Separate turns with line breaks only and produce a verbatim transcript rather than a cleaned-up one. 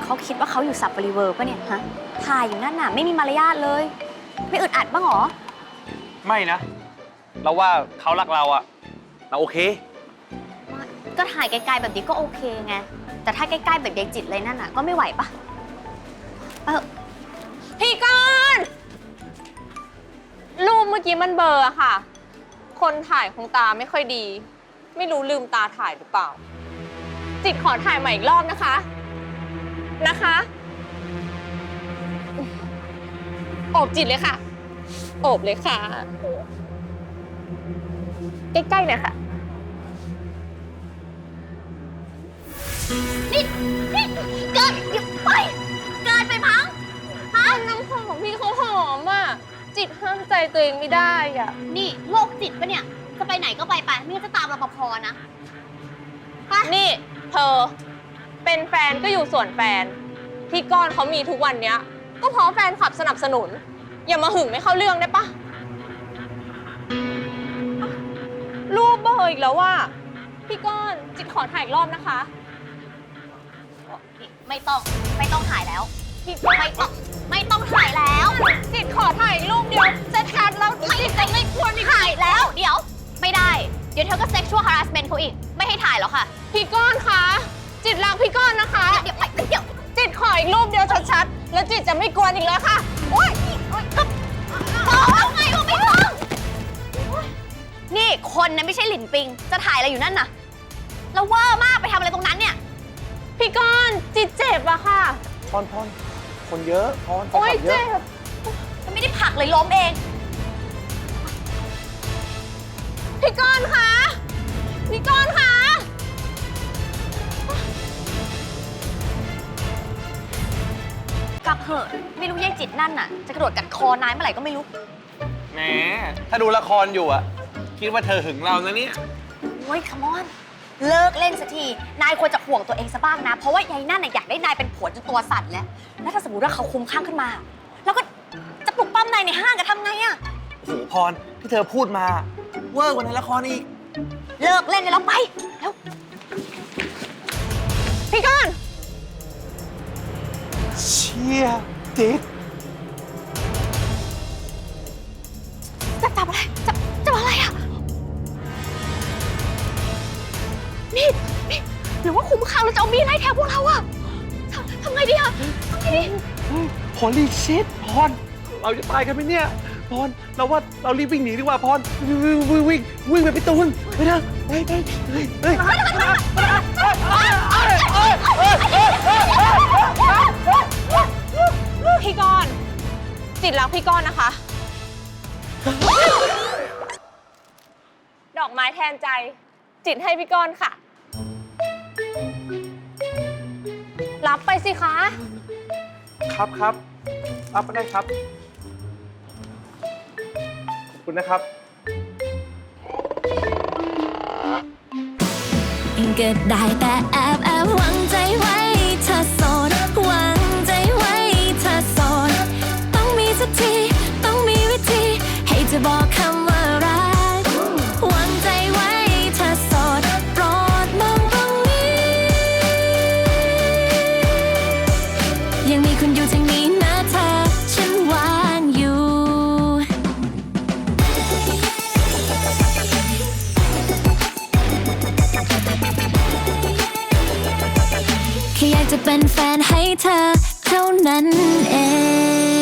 เขาคิดว่าเขาอยู่สับปริเวอร์ปะเนี่ยฮะถ่ายอยู่นั่นน่ะไม่มีมารยาทเลยไม่อึดอัดบ้างหรอ
ไม่นะเราว่าเขารักเราอะเราโอเค
ก็ถ่ายไกลๆแบบนี้ก็โอเคไงแต่ถ้าใกล้ๆแบบยายจิตเลยนั่นน่ะก็ไม่ไหวปะเออ
พี่ก้อนรูปเมื่อกี้มันเบลอค่ะคนถ่ายคงตาไม่ค่อยดีไม่รู้ลืมตาถ่ายหรือเปล่าจิตขอถ่ายใหม่อีกรอบนะคะนะคะโอบจิตเลยค่ะโอบเลยค่ะใกล้ๆหน่อยค่ะ
นี่นี่เกิดหยุดไปเกิดไปพังฮะ
น้ำหอมพี่เขาหอมอ่ะจิตห้ามใจตัวเองไม่ได้อ่ะ
นี่โรคจิตปะเนี่ยจะไปไหนก็ไปไปไม่งั้นจะตามรปภนะไป
นี่เธอเป็นแฟนก็อยู่ส่วนแฟนที่ก้อนเขามีทุกวันเนี้ยก็เพราะแฟนคลับสนับสนุนอย่ามาหึงไม่เข้าเรื่องได้ปะรูปเบอร์อีกแล้วว่าพี่ก้อนจิตขอถ่ายอีกรอบนะคะ
ไม่ต้องไม่ต้องถ่ายแล้วพี่ไม่ต้องไม่ต้องถ่ายแล้ว
จิตขอถ่ายรูปเดียวจะชัดแล้วจิตจะไม่ควร
ถ่ายแล้วเดี๋ยวไม่ได้เดี๋ยวเธอก็ sexual harassment เขาอีกไม่ให้ถ่ายแล้วค่ะ
พี่ก้อนคะจิตรักพี่ก้อนนะคะ
เดี๋ยวเดี๋ยว
จิตขออีกรูปเดียวชัดๆแล้วจิตจะไม่กวนอีกแล้วค่ะโอ๊ย
ก็บอกแล้วไงว่าไม่ต้องนี่คนนะไม่ใช่หลินปิงจะถ่ายอะไรอยู่นั่นน่ะแล้วว่ามากไปทำอะไรตรงนั้นเนี่ย
พี่ก้อนจิตเจ็บอะค่ะ
พรพรคนเยอะพร
โอ๊ยเจ็บ
มันไม่ได้ผลักเลยล้มเอง
พี่ก้อนคะพี่ก้อนคะ
กลับเหอะไม่รู้ยายจิตนั่นน่ะจะกระโดดกัดคอนายเมื่อไหร่ก็ไม่รู้
แหมถ้าดูละครอยู่อะคิดว่าเธอหึงเรานะเนี่ย
โอ้ยคัมอนเลิกเล่นสักทีนายควรจะห่วงตัวเองซะบ้างนะเพราะว่ายายนั่นน่ะอยากได้นายเป็นผัวจนตัวสั่นแล้วแล้วถ้าสมมติว่าเขาคุ้มข้างขึ้นมาแล้วก็จะปลุกปั้มนายในห้างจะทำไงอะ
โหพรที่เธอพูดมาเวอร์กว่าในละครอีก
เลิกเล่นเลยแล้วไปแล้ว
พี่ก้อน
เชี่ยจิต
จะจับอะไรจับจับอะไรอะมีดมีดหรือว่าคุ้มข้างเราจะเอามีดไล่แทงพวกเราอะทำทำไงดีอะทำไงดี
พรรีบชิดพรเราจะตายกันไหมเนี่ยพรเราว่าเรารีบวิ่งหนีดีกว่าพรวิ่งวิ่งวิ่งวิ่งไปพี่ตูนไปนะไปไปเฮ้ยเฮ้ย
พี่ก้อนจิตรักพี่ก้อนนะคะดอกไม้แทนใจจิตให้พี่ก้อนค่ะรับไปสิคะ
ครับครับรับไปได้ครับขอบคุณนะครับ
ก็ได้แต่แอบแอบหวังใจไว้เธอโสดหวังใจไว้เธอโสดต้องมีสักทีต้องมีวิธีให้จะบอกคำว่ารักหวังใจไว้เธอโสดโปรดมองตรงนี้ยังมีคุณอยู่ทางนี้นะเธอฉันวางอยู่แค่อยากจะเป็นแฟนให้เธอเท่านั้นเอง